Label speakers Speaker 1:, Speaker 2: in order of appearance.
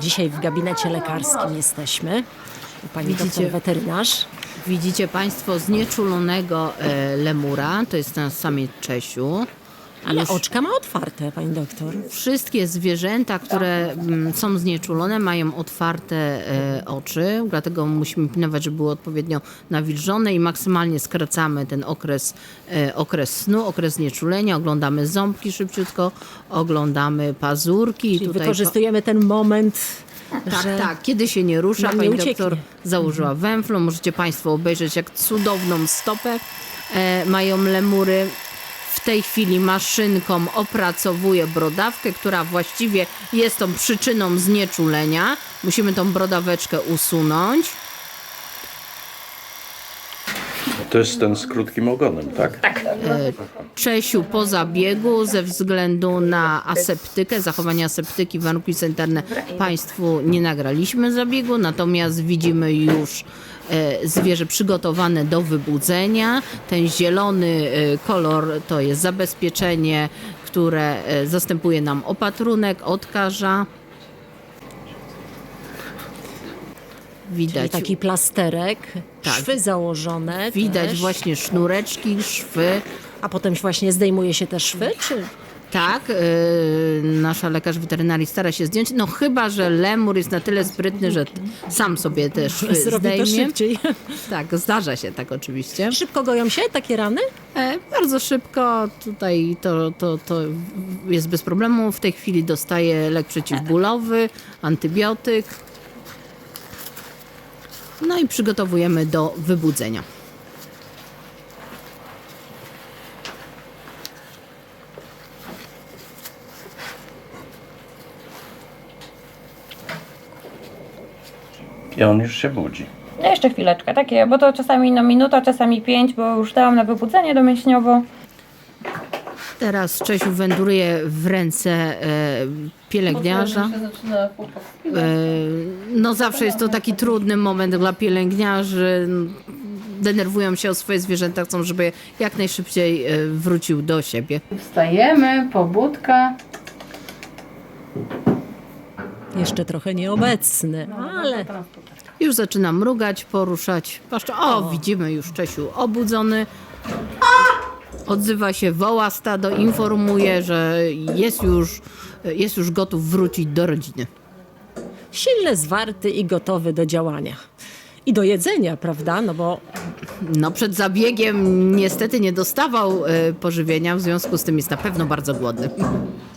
Speaker 1: Dzisiaj w gabinecie lekarskim jesteśmy. U pani
Speaker 2: Widzicie?
Speaker 1: doktor weterynarz.
Speaker 2: Widzicie Państwo znieczulonego lemura, to jest ten samiec Czesiu.
Speaker 1: Ale
Speaker 2: Już
Speaker 1: oczka ma otwarte, pani doktor.
Speaker 2: wszystkie zwierzęta, które są znieczulone, mają otwarte oczy, dlatego musimy pilnować, żeby były odpowiednio nawilżone i maksymalnie skracamy ten okres snu, okres znieczulenia, oglądamy ząbki szybciutko, oglądamy pazurki.
Speaker 1: Czyli wykorzystujemy ten moment, że
Speaker 2: Tak, kiedy się nie rusza,
Speaker 1: nam nie
Speaker 2: pani
Speaker 1: ucieknie.
Speaker 2: doktor założyła węflą. Możecie Państwo obejrzeć, jak cudowną stopę mają lemury. W tej chwili maszynką opracowuje brodawkę, która właściwie jest tą przyczyną znieczulenia. Musimy tą brodaweczkę usunąć.
Speaker 3: To jest ten z krótkim ogonem, tak? Tak.
Speaker 2: Czesiu po zabiegu ze względu na aseptykę, zachowanie aseptyki, warunki sanitarne Państwu nie nagraliśmy zabiegu, natomiast widzimy już zwierzę przygotowane do wybudzenia. Ten zielony kolor to jest zabezpieczenie, które zastępuje nam opatrunek, odkaża.
Speaker 1: Czyli
Speaker 2: Widać,
Speaker 1: taki plasterek,
Speaker 2: Tak.
Speaker 1: szwy założone.
Speaker 2: widać
Speaker 1: też.
Speaker 2: właśnie sznureczki, szwy.
Speaker 1: A potem właśnie zdejmuje się te szwy, czy...
Speaker 2: Tak, nasza lekarz weterynarii stara się zdjąć, no chyba że lemur jest na tyle sprytny, że sam sobie też
Speaker 1: Zrobi to
Speaker 2: zdejmie.
Speaker 1: szybciej.
Speaker 2: Tak, zdarza się tak oczywiście.
Speaker 1: Szybko goją się takie rany?
Speaker 2: Bardzo szybko, tutaj to jest bez problemu. W tej chwili dostaje lek przeciwbólowy, antybiotyk. No i przygotowujemy do wybudzenia.
Speaker 3: I on już się budzi.
Speaker 4: No jeszcze chwileczkę, takie, bo to czasami minuta, czasami 5, bo już dałam na wybudzenie domyślniowo.
Speaker 2: Teraz Czesiu wędruje w ręce pielęgniarza. No zawsze jest to taki trudny moment dla pielęgniarzy. Denerwują się o swoje zwierzęta, chcą, żeby jak najszybciej wrócił do siebie.
Speaker 5: Wstajemy, pobudka.
Speaker 1: Jeszcze trochę nieobecny, ale
Speaker 2: Już zaczyna mrugać, poruszać. Patrzcie, widzimy już Czesiu obudzony. Odzywa się, woła stado, informuje, że jest już gotów wrócić do rodziny.
Speaker 1: silny, zwarty i gotowy do działania. I do jedzenia, prawda? No bo
Speaker 2: No przed zabiegiem niestety nie dostawał pożywienia, w związku z tym jest na pewno bardzo głodny.